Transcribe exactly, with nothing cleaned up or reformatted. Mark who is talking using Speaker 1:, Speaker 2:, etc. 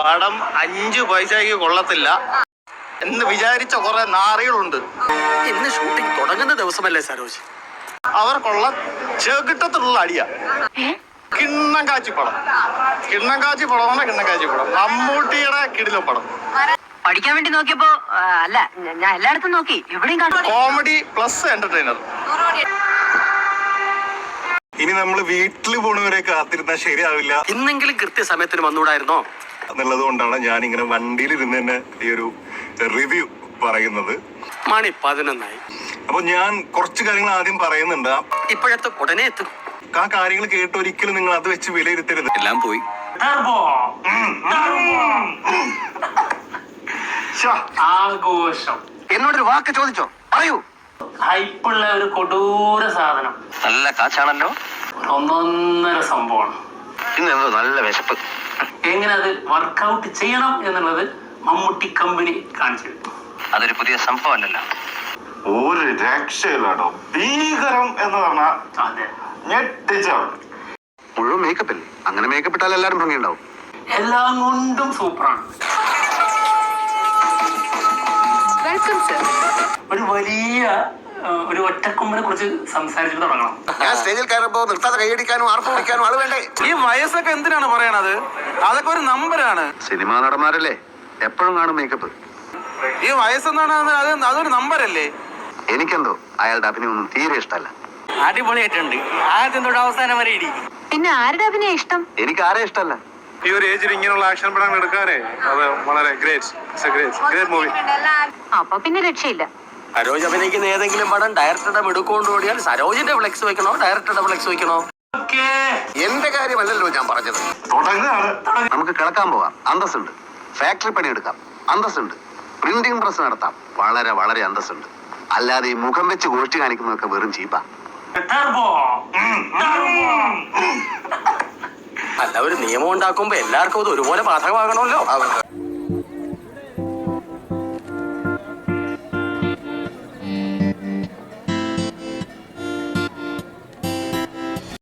Speaker 1: പടം അഞ്ചു പൈസയ്ക്ക് കൊള്ളത്തില്ല എന്ന് വിചാരിച്ച കുറെ നാറികളുണ്ട്.
Speaker 2: ഇന്ന് ഷൂട്ടിംഗ് തുടങ്ങുന്ന ദിവസമല്ലേ സരോജ്?
Speaker 1: അവർക്കുള്ള ചെകിട്ടത്തിലുള്ള അടിയ. കിണ്ണം കാച്ചി പടം, കിണ്ണം കാച്ചി പടമാണ് കിണ്ണം കാച്ചി പടം. മമ്മൂട്ടിയുടെ കിടിലം പടം.
Speaker 3: പഠിക്കാൻ വേണ്ടി നോക്കിയപ്പോ അല്ല, ഞാൻ എല്ലായിടത്തും നോക്കി, എവിടെയും കാണും.
Speaker 1: Comedy plus entertainer.
Speaker 4: ഇനി നമ്മൾ വീട്ടിൽ പോണവരെ കാത്തിരുന്നാൽ ശരിയാവില്ല.
Speaker 2: ഇന്നെങ്കിലും കൃത്യസമയത്തിന് വന്നൂടായിരുന്നോ
Speaker 4: എന്നുള്ളത് കൊണ്ടാണ് ഞാൻ ഇങ്ങനെ വണ്ടിയിൽ ഇരുന്ന് തന്നെ ഈ ഒരു റിവ്യൂ പറയുന്നത്.
Speaker 2: മണി പതിനൊന്നായി.
Speaker 4: അപ്പൊ ഞാൻ കുറച്ച് കാര്യങ്ങൾ ആദ്യം പറയുന്നുണ്ട്.
Speaker 2: ഇപ്പോഴത്തെ ഉടനെ എത്തും.
Speaker 4: ആ കാര്യങ്ങൾ കേട്ട് ഒരിക്കലും നിങ്ങൾ അത് വെച്ച് വിലയിരുത്തരുത്.
Speaker 2: എല്ലാം പോയി.
Speaker 5: ആഘോഷം
Speaker 2: എന്നോടൊരു വാക്ക് ചോദിച്ചോ? പറയൂ.
Speaker 5: ഹൈപ്പുള്ള ഒരു കൊടൂര സാധനം.
Speaker 2: നല്ല കാച്ചാണല്ലോ.
Speaker 5: ഒന്നൊന്നര സംഭവമാണ്.
Speaker 2: ഇന്നെന്തോ നല്ല വിശപ്പ്.
Speaker 5: എങ്ങനെ അത് വർക്കൗട്ട് ചെയ്യണം എന്നുള്ളത് മമ്മൂട്ടി കമ്പനി കാണിച്ചു.
Speaker 2: അതൊരു പുതിയ സംഭവമല്ലല്ലോ.
Speaker 4: ഒരു രക്ഷയില്ലാട്ടോ. ഭീകരം എന്ന് പറഞ്ഞാൽ
Speaker 5: അതെ,
Speaker 4: ഞെട്ടിച്ചാണ്.
Speaker 2: മുഴുവൻ മേക്കപ്പ് അല്ലേ? അങ്ങനെ മേക്കപ്പ് ഇട്ടാൽ എല്ലാവരും ഭംഗിയുണ്ടാവും.
Speaker 5: എല്ലാം കൊണ്ടും സൂപ്പറാണ്. ഒരു വലിയ ഒരു ഒറ്റക്കൊമ്പിനെ കുറിച്ച് സംസാരിച്ചിട്ട് തുടങ്ങണം.
Speaker 2: ഞാൻ സ്റ്റേജിൽ കയറുമ്പോ നിർത്താതെ കൈയടിക്കാനും ആർപ്പ് വിളിക്കാനും ആള് വേണ്ടേ?
Speaker 1: ഈ വയസ്സൊക്കെ എന്തിനാണ് പറയണത്? അതൊക്കെ ഒരു നമ്പറാണ്.
Speaker 2: സിനിമാ നടന്മാരല്ലേ, എപ്പോഴും കാണും മേക്കപ്പ്.
Speaker 1: ഈ വയസ്സെന്നാണ് അത്, അതൊരു നമ്പറല്ലേ?
Speaker 2: എനിക്കെന്തോ അയാളുടെ അഭിനയം ഒന്നും തീരെ ഇഷ്ടമല്ല.
Speaker 5: അടിപൊളിയായിട്ടുണ്ട്. ആദ്യം തൊട്ട് അവസാനം വരെ ഇടി.
Speaker 3: പിന്നെ ആരുടെ അഭിനയം ഇഷ്ടം?
Speaker 2: എനിക്ക് ആരെ ഇഷ്ടമല്ല.
Speaker 4: ഈ ഒരു ഏജിൽ ഇങ്ങനെയുള്ള ആക്ഷൻ പടങ്ങൾ എടുക്കാനേ അത് വളരെ ഗ്രേറ്റ് ഗ്രേറ്റ് മൂവി.
Speaker 3: അപ്പൊ പിന്നെ രക്ഷയില്ല.
Speaker 2: സരോജ് അഭിനയിക്കുന്ന ഏതെങ്കിലും പടം ഡയറക്ടറുടെ മിടുക്കൊണ്ട് ഓടിയാൽ സരോജിന്റെ ഫ്ലെക്സ് വെക്കണോ ഡയറക്ടറുടെ ഫ്ലെക്സ് വെക്കണോ? എന്റെ കാര്യമല്ലല്ലോ ഞാൻ പറഞ്ഞത്. നമുക്ക് കിടക്കാൻ പോകാം, അന്തസ്സുണ്ട്. ഫാക്ടറി പണിയെടുക്കാം, അന്തസ്സുണ്ട്. പ്രിന്റിംഗ് പ്രസ് നടത്താം, വളരെ വളരെ അന്തസ്സുണ്ട്. അല്ലാതെ ഈ മുഖം വെച്ച് ഗോഷ്ടി കാണിക്കുന്നതൊക്കെ വെറും ചീപ്പാ. അല്ല, ഒരു നിയമം ഉണ്ടാക്കുമ്പോ എല്ലാവർക്കും അത് ഒരുപോലെ ബാധകമാകണമല്ലോ.